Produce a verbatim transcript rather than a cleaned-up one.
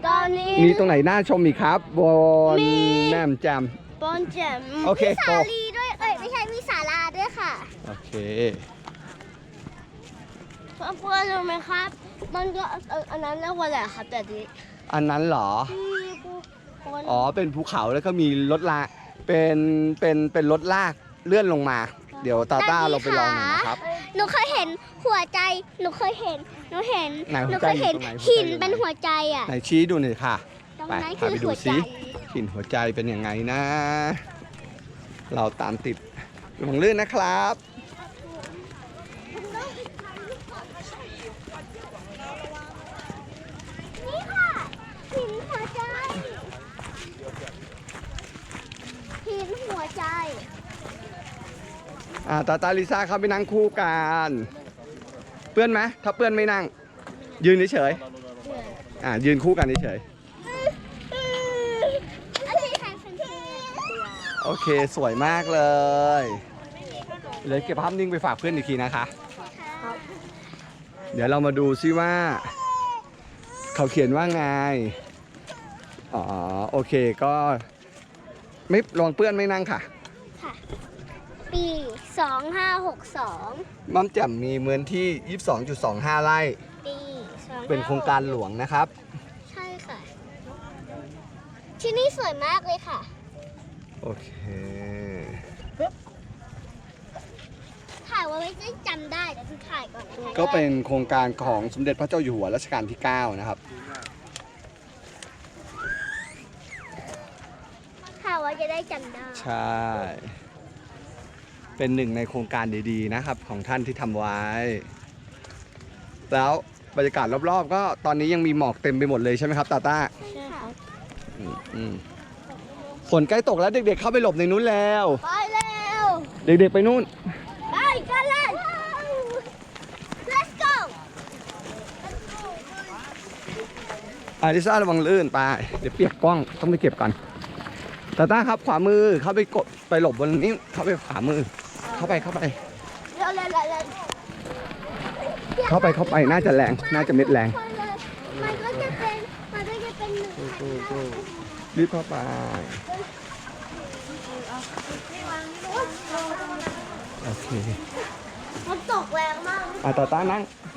ตอนนี้มีตรงไหนน่าชมอีกครับบนแม่มแจมบนแจมโอเคมีสาลีด้วยเอ้ยไม่ใช่มีศาลาด้วยค่ะโอเคเพื่อนๆรู้ไหมครับ มันก็เอ่ออันนั้นเรียกว่าอะไรครับแต่ดีอันนั้นเหรอที่ผู้คนอ๋อเป็นภูเขาแล้วก็มีรถลากเป็นเป็นเป็นรถลากเลื่อนลงมา เดี๋ยวตาต้าเราไปลองหน่อยนะครับหนูเคยเห็นหัวใจ หนูเคยเห็น หนูเห็นไหนหัหนูวใจเคยเห็นอยู่ตรงไหนหินหัวใจอยู่ไหนเป็นหัวใจอ่ะไหนชี้ดูหน่อยค่ะตรงไปนั้นพาคือไปดูหัวใจซิหินหัวใจเป็นยังไงนะ เราตามติดหลงลื่นนะครับนี่ค่ะหินหัวใจหินหัวใจอ่าตาตาลิซ่าเข้าไปนั่งคู่กันเปื้อนไหมถ้าเปื้อนไม่นั่ง ยืนเฉยๆอ่ายืนคู่กันเฉยอันนี้ใครเป็นเพื่อนๆโอเคสวยมากเลยเลยเก็บภาพนิ่งไปฝากเพื่อนอีกทีนะคะ เดี๋ยวเรามาดูซิว่า เขาเขียนว่าไงอ๋อโอเคก็ไม่ลองเปื้อนไม่นั่งค่ะค่ะปีสองห้าหกสองมัมแจ่มมีเมือนที่ ยี่สิบสองจุดสองห้า ไร่ปีสองเป็นโครงการหลวงนะครับใช่ค่ะ ที่นี่สวยมากเลยค่ะโอเคถ่ายไว้ไม่ได้จำได้แต่คือถ่ายก่อนนะคะก็เป็นโครงการของสมเด็จพระเจ้าอยู่หัวรัชกาลที่ เก้า นะครับถ่ายไว้จะได้จำได้ใช่ เป็นหนึ่งในโครงการดีๆนะครับ ของท่านที่ทำไว้ แล้วบรรยากาศรอบๆ ก็ตอนนี้ยังมีหมอกเต็มไปหมดเลยใช่ไหมครับตาต้าใช่ค่ะอืมอืมฝนใกล้ตกแล้วเด็กๆเข้าไปหลบในนู้นแล้วไปเร็วเด็กๆไปนู่นไปกันเลย let's go อาริซ่าระวังลื่นไป เดี๋ยวเปียกกล้องต้องไปเก็บก่อนตาต้าครับขวามือเข้าไปกดไปหลบบนนี้เข้าไปขวามือ เข้าไปเข้าไปเร็วเร็วเร็วเร็วเข้าไปเข้าไปน่าจะแรงน่าจะเม็ดแรงมันก็จะเป็นมันก็จะเป็นหนึ่งพันห้ารีบเข้าไปโอเคมันตกแรงมากอ่ะตาต้านั่ง